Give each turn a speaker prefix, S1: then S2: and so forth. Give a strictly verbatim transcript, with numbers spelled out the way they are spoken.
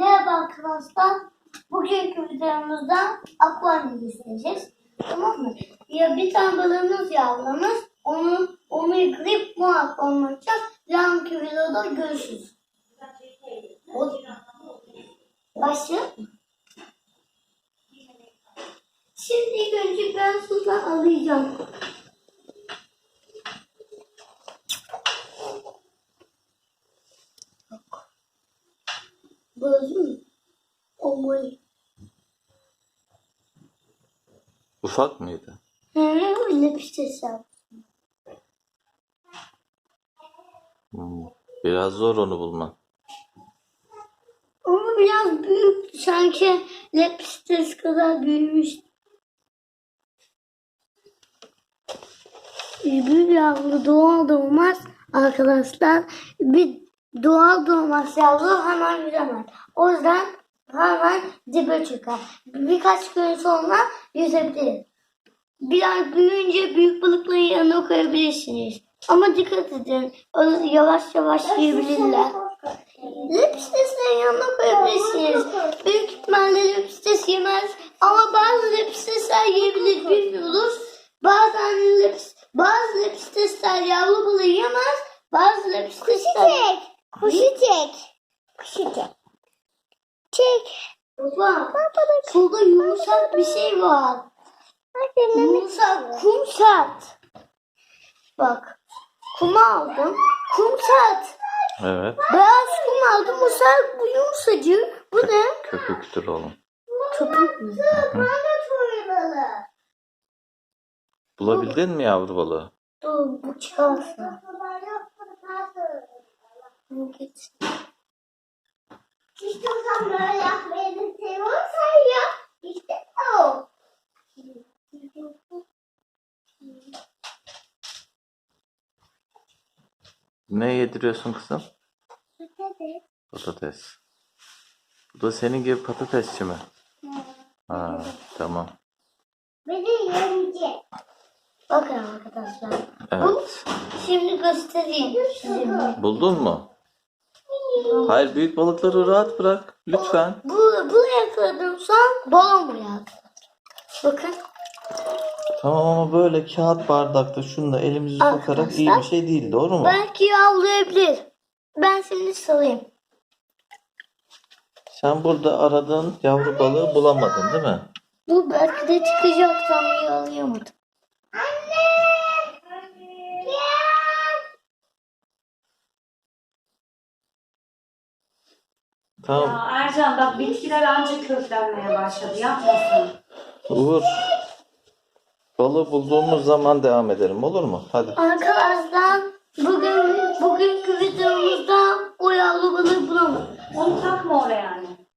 S1: Merhaba arkadaşlar. Bugünkü videomuzda akvaryum izleyeceğiz. Tamam mı? Ya bir tane balığımız yavrulamız. Onu onu yıkayıp bu akvaryum açacağız. Yarınki videoda görüşürüz. Başlayalım mı? Şimdi ilk önce ben sudan alacağım. Böyle mi? Olmalı.
S2: Ufak mıydı?
S1: He, öyle bir şey yaptım.
S2: Hmm. Biraz zor onu bulman.
S1: Ama biraz büyük. Sanki lepstes kadar büyümüş. Bir yavru doğal doğmaz arkadaşlar. Bir doğal doğmaz yavru hemen yüzemez. O yüzden hemen dibe çıkar. Birkaç gün sonra yüzebilir. Biraz büyüyünce büyük balıkların yanına koyabilirsiniz. Ama dikkat edin. Onu yavaş yavaş yiyebilirler. Lepsteslerin yanına koyabilirsiniz. Büyük ihtimalle lepstes yemez. Ama bazı lepstesler yiyebilir, bilmiyoruz. Bazen leps, bazı lepstesler yavru balığı yemez. Bazı lepstesler...
S3: Kuşu çek. Kuşu çek. Kuşu çek. Çek.
S1: Baba, şurada yumuşak bir şey var. Yumuşak kum sert. Bak, kum aldım. Kum sert.
S2: Evet.
S1: Beyaz kum aldım. Bu sert, bu yumuşacık. Bu ne?
S2: Köpüktür oğlum.
S1: Köpük mü?
S2: Bulabildin mi yavru balığı?
S1: Dur, bu çıkarsa. Bu git.
S3: İstiyorsan böyle yapmayı seviyorsan ya. İşte o.
S2: Ne yediriyorsun kızım? Patates. Bu da senin gibi patatesçi mi? Ha, tamam.
S3: Beni yemeyecek.
S1: Bakın arkadaşlar.
S2: Evet.
S1: Şimdi göstereyim size.
S2: Buldun mu? Hayır, büyük balıkları rahat bırak. Lütfen.
S1: Bu, bu yakaladım son balon buraya. Bakın.
S2: Tamam ama böyle kağıt bardakta şunu da elimizi sokarak iyi bir şey değil. Doğru mu?
S1: Belki yavrulayabilir. Ben şimdi salayım.
S2: Sen burada aradığın yavru balığı bulamadın değil mi?
S1: Bu belki de çıkacak, tam yakalayamadım.
S3: Anne.
S2: Tamam.
S4: Ya Ercan bak bitkiler ancak köklenmeye başladı. Yapmasın.
S2: Uğur. Balığı bulduğumuz zaman devam edelim, olur mu? Hadi.
S1: Arkadaşlar